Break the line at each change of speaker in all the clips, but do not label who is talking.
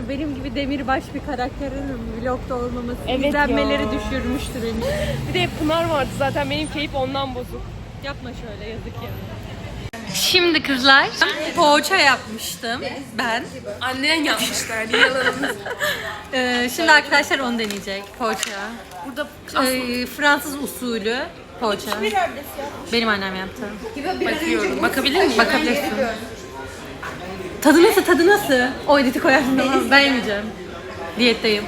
benim gibi demirbaş bir karakterin vlogda olmaması
Evet
izlenmeleri
ya.
düşürmüştür beni.
Bir de Pınar vardı zaten, benim keyif ondan bozuk.
Yapma şöyle, yazık ya. Şimdi kızlar poğaça yapmıştım ben.
Annen yapmışlar, niye yalanımız?
Şimdi arkadaşlar onu deneyecek poğaça.
Burada
Fransız usulü poğaça. Benim annem yaptı.
bakıyorum. Bakabilir miyim?
Bakabilirsin. Tadı nasıl, tadı nasıl? O editi koyarsın tamam. Ben yemeyeceğim. Diyetteyim.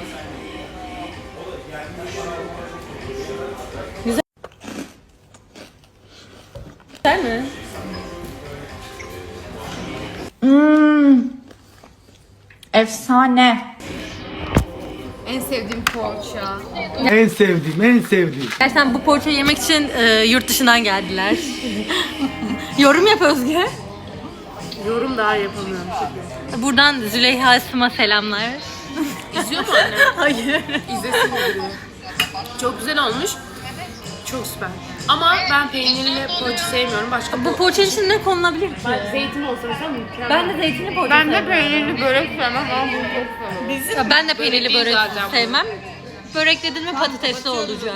Güzel mi?
Efsane.
En sevdiğim poğaça.
En sevdiğim.
Gerçekten bu poğaçayı yemek için yurt dışından geldiler. Yorum yap Özge.
Yorum daha yapamıyorum.
Buradan Züleyha Esma selamlar.
İzliyor mu anne?
Hayır.
İzlesin diyor. Çok güzel olmuş. Çok süper. Ama ben peynirli poğaça sevmiyorum. Başka
Bu poğaçanın içine ne konulabilir ki?
zeytin olsa mesela mükemmel.
Ben de zeytinli poğaça
Ben de
sevmem.
peynirli börek sevmem ama bunu çok seviyorum.
Ya ben de peynirli
değil
börek
zaten bu.
sevmem. Börek dedin mi patatesli olacak.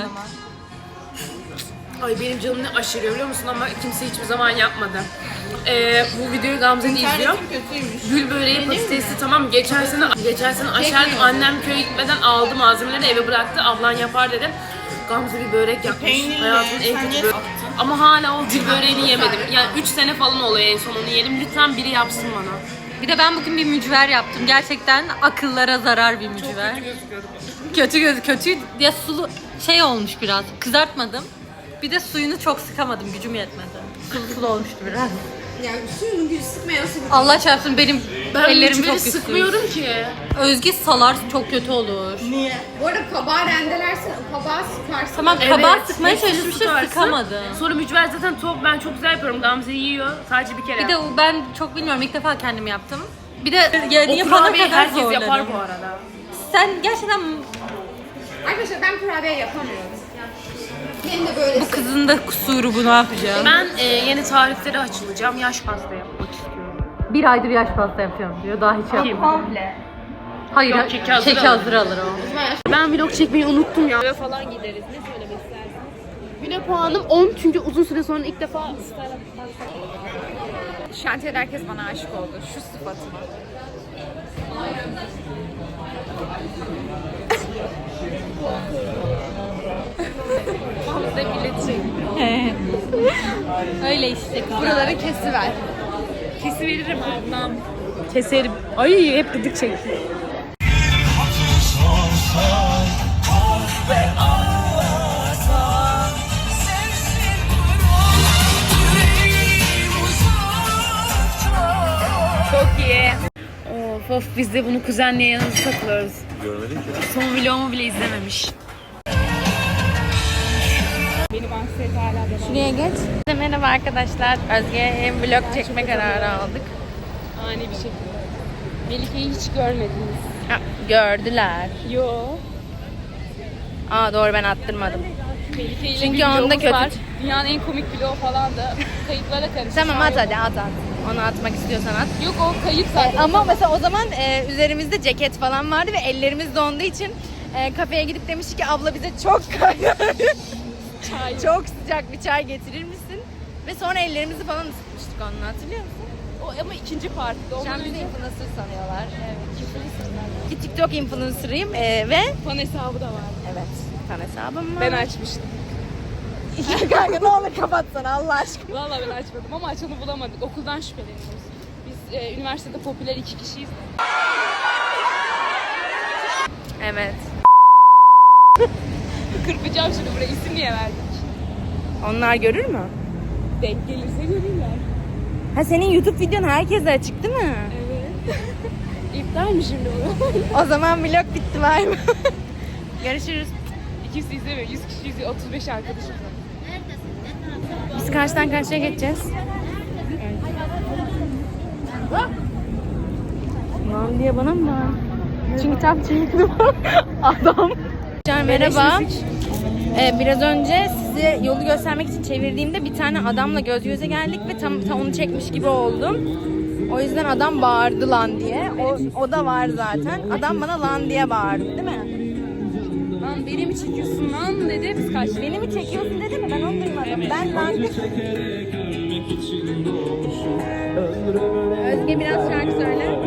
Ay benim canım ne aşırıyor biliyor musun, ama kimse hiçbir zaman yapmadı. Bu videoyu Gamze de izliyor. Gül böreği patatesli, tamam. Geçen sene aşerdim, annem köye gitmeden aldı malzemeleri eve bıraktı, ablan yapar dedi. Gamze bir börek yapmış. Hayatımın en kötü böreği. Ama hala o gül böreğini yemedim. Yani 3 sene falan oluyor en son onu yiyelim. Lütfen biri yapsın bana.
Bir de ben bugün bir mücver yaptım. Gerçekten akıllara zarar bir mücver. Kötü ya, sulu şey olmuş biraz. Kızartmadım. Bir de suyunu çok sıkamadım. Gücüm yetmedi. Sulu olmuştu biraz.
Yani suyunu gül sıkmayası gibi.
Allah çarpsın benim
Ben
ellerim
mücveri
çok güçlü.
sıkmıyorum ki.
Özge salar çok kötü olur.
Niye? Bu arada kabağı rendelersin, kabağı sıkarsın.
Tamam
Evet,
kabağı sıkmaya
hepsini
çalışmıştım
sıkarsın.
sıkamadım.
Sonra mücver zaten top, ben çok güzel yapıyorum. Gamze yiyor sadece bir kere.
Bir de ben çok bilmiyorum, ilk defa kendim yaptım. Bir de yani
o
yapana
kurabiyeyi
kadar
herkes
zorladım.
yapar bu arada.
Sen gerçekten
Arkadaşlar ben kurabiye yapamıyorum. Benim de böyle
bu kızın da kusuru, bu ne yapacağım?
Ben yeni tariflere açılacağım. Yaş pasta yapmak istiyorum.
Bir aydır yaş pasta yapıyorum diyor. Daha hiç
Kim?
yapmadım. Hayır,
Yok, keki hazır
keki
alır.
hazır alır o.
Ben vlog çekmeyi unuttum ya. Eve falan gideriz. Ne söylemek istersiniz? Güne puanım 10 çünkü uzun süre sonra ilk defa
şantiyede herkes bana aşık oldu. Şu sıfatıma.
size iletecek.
Öyle işte kızlar.
Buraları kesiver.
Kesiveririm ablam. Keserim. Ay hep gıdık çekiyor. Çok iyi. Of biz de bunu kuzenle yanımızda takılıyoruz.
Görmedim ki.
Son vlogumu bile izlememiş.
Şuraya geç. Merhaba arkadaşlar. Özge'ye vlog çekme kararı aldık.
Ani bir şekilde. Melike'yi hiç görmediniz.
Gördüler.
Yo.
Aa doğru, ben attırmadım.
Melike ile
Çünkü
bir
onda
vlogumuz
kötü.
var. Dünyanın en komik vlogu falan da kayıtlara karıştı.
Tamam at hadi at. Onu atmak istiyorsan at.
Yok o kayıp zaten.
Ama mesela o zaman üzerimizde ceket falan vardı ve ellerimiz donduğu için kafeye gidip demiştik ki abla bize çok kaynar,
Çay.
çok sıcak bir çay getirir misin? Ve sonra ellerimizi falan ısıtmıştık onunla, hatırlıyor musun?
O, ama ikinci partide.
Şu an
Ondan
bizi
önce
influencer sanıyorlar. Evet. Ki TikTok influencer'ıyım ve
fan hesabı da var.
evet, fan hesabım var.
Ben açmıştım.
Kanka ne olur kapatsana Allah aşkına.
Vallahi ben açmadım ama açanı bulamadık. Okuldan şüpheleniyoruz. Biz üniversitede popüler 2 kişiyiz.
Evet.
Kırpacağım şimdi buraya. İsim niye verdik?
Onlar görür mü?
Denk gelirse görürler.
Ha, senin YouTube videon herkese açık değil mi?
Evet. İptal mi şimdi bu?
O zaman vlog bitti, var mı? Görüşürüz.
İkisi izlemiyor. 100 kişi izliyor. 35 arkadaşım var.
Biz karşıdan karşıya geçeceğiz. Lan diye bana mı? Çünkü tam çektim. Adam. Merhaba. Biraz önce size yolu göstermek için çevirdiğimde bir tane adamla göz göze geldik ve tam onu çekmiş gibi oldum. O yüzden adam bağırdı lan diye. O da var zaten. Adam bana lan diye bağırdı değil mi? Lan beni mi çekiyorsun lan dedi. Biz kaç. Beni mi çekiyorsun dedi mi? Ben onu duymadım. Ben lan Özge biraz şarkı söyle.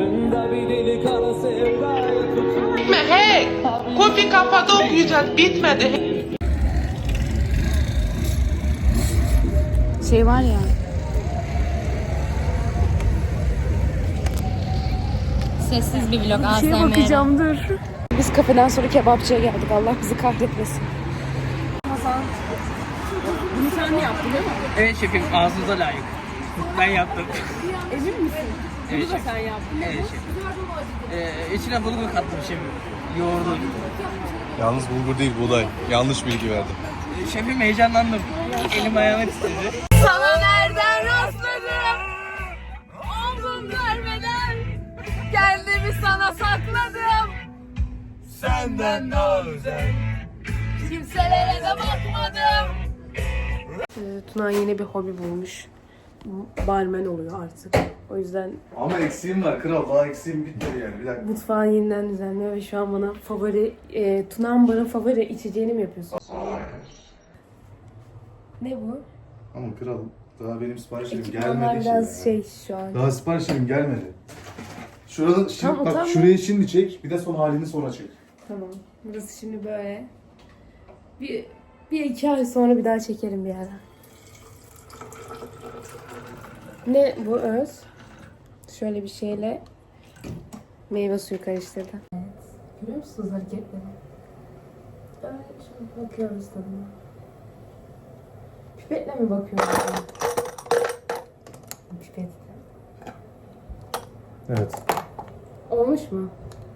Hey! Kofi kafada okuyacağız. Bitmedi.
Şey var ya.
Sessiz bir vlog.
Bir şeye bakacağım dur. Biz kafeden sonra kebapçıya geldik. Allah bizi kahretmesin. Bunu sen mi yaptın değil mi?
Evet şefim, ağzınıza layık. Ben yaptım.
Emin misin?
Evet
Bunu da
şefim.
sen yaptın.
Evet şefim. İçine bulgur kattım şefim. Yoğurdu.
Yalnız bulgur değil buğday. Yanlış bilgi verdim.
Şefim heyecanlandım. Elim ayağıma titredi.
Sana nereden rastladım? Omzum vermeden kendimi sana sakladım.
Senden daha özel.
Kimselere de bakmadım.
Tuna yeni bir hobi bulmuş. Barmen oluyor artık. O yüzden
Ama eksiğim var kral. Daha eksiğim bitmedi yani. Bir dakika.
mutfağı yeniden düzenliyor ve şu an bana Tuna'nın bana favori içeceğini mi yapıyorsun? Ne bu?
Ama kral daha benim siparişlerim
Ekipmanlar
gelmedi ki.
biraz şu an.
Daha siparişlerim gelmedi. Şurada şimdi
Tamam,
bak
tamam.
şurayı şimdi çek. Bir de son halini sonra çek.
Tamam. Burası şimdi böyle. Bir iki ay sonra bir daha çekerim bir ara. Ne bu öz? Şöyle bir şeyle meyve suyu karıştırdı. Evet. Görüyor musunuz hareketleri? Böyle şöyle bakıyoruz tadına. Pipetle mi bakıyoruz? Pipetle.
Evet.
Olmuş mu?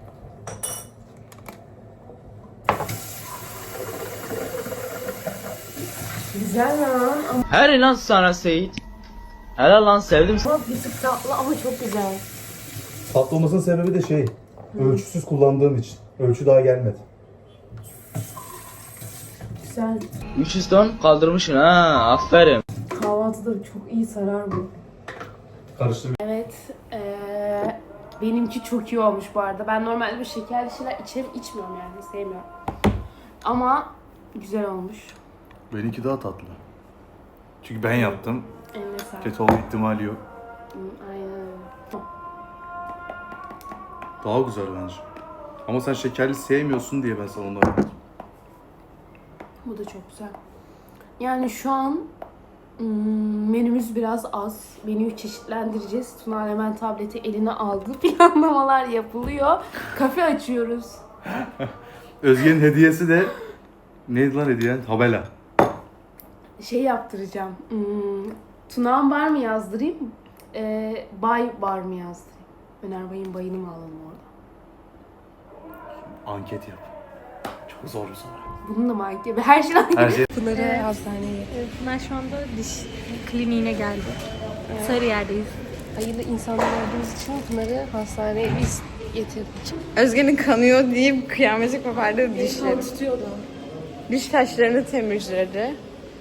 Güzel lan ama
Her lan sana Seyit. Helal lan sevdim.
bir tık tatlı ama çok güzel.
Tatlı olmasının sebebi de şey. Ölçüsüz kullandığım için. Ölçü daha gelmedi.
Güzel.
300 ton kaldırmışsın ha. Aferin.
Kahvaltıda çok iyi sarar bu.
Karıştır.
Evet. Benimki çok iyi olmuş bu arada. Ben normalde bir şekerli şeyler içmiyorum yani. Sevmiyorum. Ama güzel olmuş.
Benimki daha tatlı. Çünkü ben yaptım.
Eline sağlık.
Kötü olma ihtimali yok.
Aynen öyle.
Daha güzel bence. Ama sen şekerli sevmiyorsun diye ben sana ondan verdim.
Bu da çok güzel. Yani şu an menümüz biraz az. Menüyü çeşitlendireceğiz. Tuna hemen tableti eline aldı. Planlamalar yapılıyor. Kafe açıyoruz.
Özge'nin hediyesi de neydi lan hediyen? Tabela.
Şey yaptıracağım. Tunağan bar mı yazdırayım? Bay bar mı yazdırayım? Öner Bay'ın bayını mı alalım orada?
Anket yap. Çok zor bir soru.
Bunun da mı ait gibi? Her şey aynı.
Her şey.
Pınar'ı hastaneye.
Ben şu anda diş kliniğine geldim. Sarıyer'deyiz.
Hayırlı insanlar olduğumuz için Pınar'ı hastaneye biz getirdik.
Özge'nin kanıyor deyip kıyameti kopardı dişleri.
Tutuyordu.
Diş taşlarını temizledi.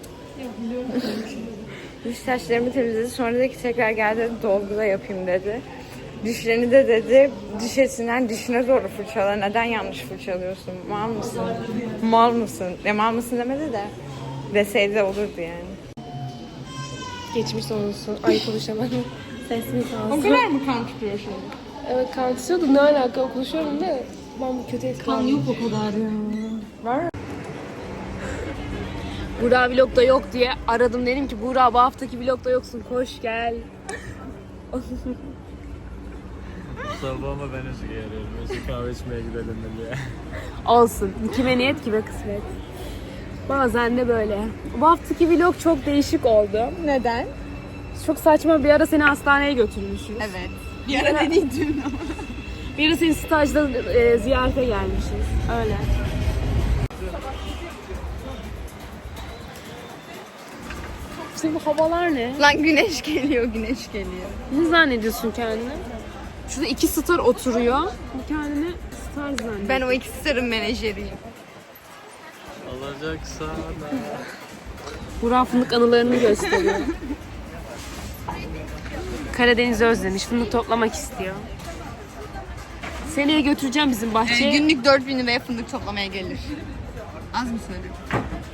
Diş taşlarımı temizledi. Sonra dedi ki tekrar gel dedi dolgu da yapayım dedi. Dişlerini de dedi diş etinden dişine doğru fırçala. Neden yanlış fırçalıyorsun? Mal mısın? Mal mısın? Mal mısın demedi de. Deseydi de olurdu yani.
Geçmiş olsun. Ay konuşamadım. Sesimi kalsın.
O kadar mı kan tutuyor şimdi?
Evet kan tutuyordu. Ne alaka? Konuşuyorum da ben bir kötü etkilendim. Kan yok o kadar ya. Var. Buğra vlogda yok diye aradım. Dedim ki Buğra bu haftaki vlogda yoksun. Koş gel.
Sabahıma ben Özge'ye arıyorum. Özge kahve içmeye gidelim diye.
Olsun. Kime niyet kime kısmet. Bazen de böyle. Bu haftaki vlog çok değişik oldu.
Neden?
Çok saçma bir ara seni hastaneye götürmüşüz.
Evet. Bir ara dediydin ama.
Bir ara seni stajda ziyarete gelmişiz. Öyle. Senin bu havalar ne?
Lan güneş geliyor, güneş geliyor.
Ne zannediyorsun kendini? Şurada 2 star oturuyor. Bu kendini star zannediyor.
Ben o iki starın menajeriyim.
Alacak sana.
Burak fındık anılarını gösteriyor. Karadeniz'i özlemiş. Fındık toplamak istiyor. Seneye götüreceğim bizim bahçeye.
Günlük 4.000 liraya fındık toplamaya gelir. Az mı söylüyorum?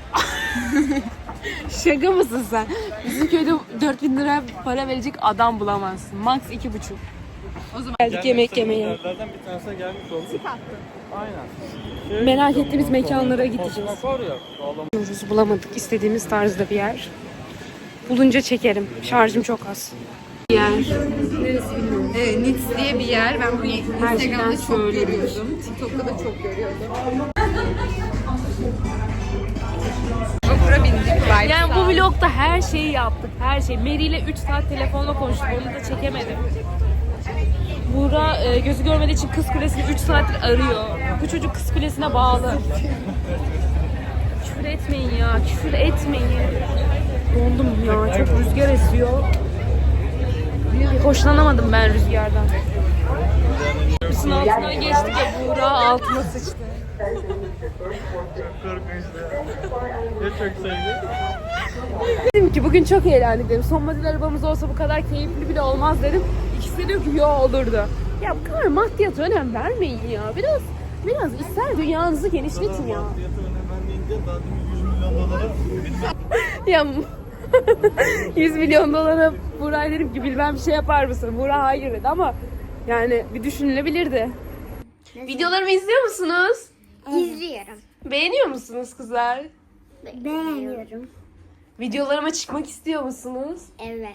Şaka mısın sen? Bizim köyde 4.000 lira para verecek adam bulamazsın. Max 2,5. O zaman geldik yemek yemeye.
Yerlerden bir tanesine gelmiş olduk. Aynen.
Merak ettiğimiz mekanlara gideceğiz.
Var ya.
Bulamadık istediğimiz tarzda bir yer. Bulunca çekerim. Şarjım çok az. Yer.
Nits diye bir yer. Ben bunu Instagram'da çok
söylüyorum.
görüyordum. TikTok'ta da çok görüyordum.
Yani bu vlogda her şeyi yaptık. Her şey. Mary ile 3 saat telefonla konuştuk. Onu da çekemedim. Buğra gözü görmediği için Kız Kulesi'ni 3 saattir arıyor. Bu çocuk Kız Kulesi'ne bağlı. Küfür etmeyin ya. Küfür etmeyin. Dondum ya. Çok rüzgar esiyor. Hoşlanamadım ben rüzgardan. Üstün altına geçtik ya. Buğra altıma sıçtı.
Çok korkunçtu. Ya çok sevdi.
Dedim ki bugün çok eğlendik dedim. Son model arabamız olsa bu kadar keyifli bile olmaz dedim. İkisi de diyor ki yo olurdu. Ya bu kadar maddiyata önem vermeyin ya. Biraz ister dünyanızı genişletin ya. Ya 100 milyon dolara Buğra'ya dedim ki bilmem bir şey yapar mısın? Buğra hayır dedi ama yani bir düşünülebilirdi. Videolarımı izliyor musunuz?
İzliyorum.
Beğeniyor musunuz kızlar?
Beğeniyorum.
Videolarıma çıkmak istiyor musunuz?
Evet.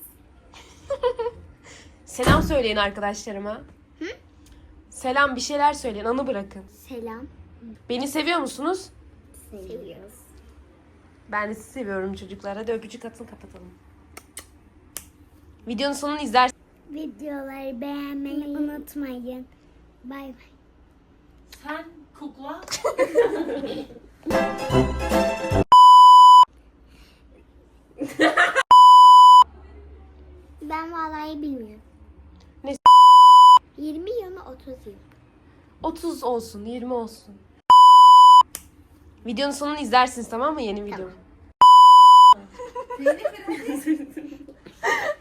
Selam söyleyin arkadaşlarıma. Selam bir şeyler söyleyin, anı bırakın.
Selam.
Beni seviyor musunuz?
Seviyoruz.
Ben de sizi seviyorum çocuklar. Hadi öpücük atın kapatalım. Videonun sonunu izler.
Videoları beğenmeyi unutmayın. Bay bay.
Sen kukla.
Ben vallahi bilmiyorum.
Ne?
20 yıl mı 30 yıl?
30 olsun, 20 olsun. Videonun sonunu izlersiniz tamam mı yeni videom?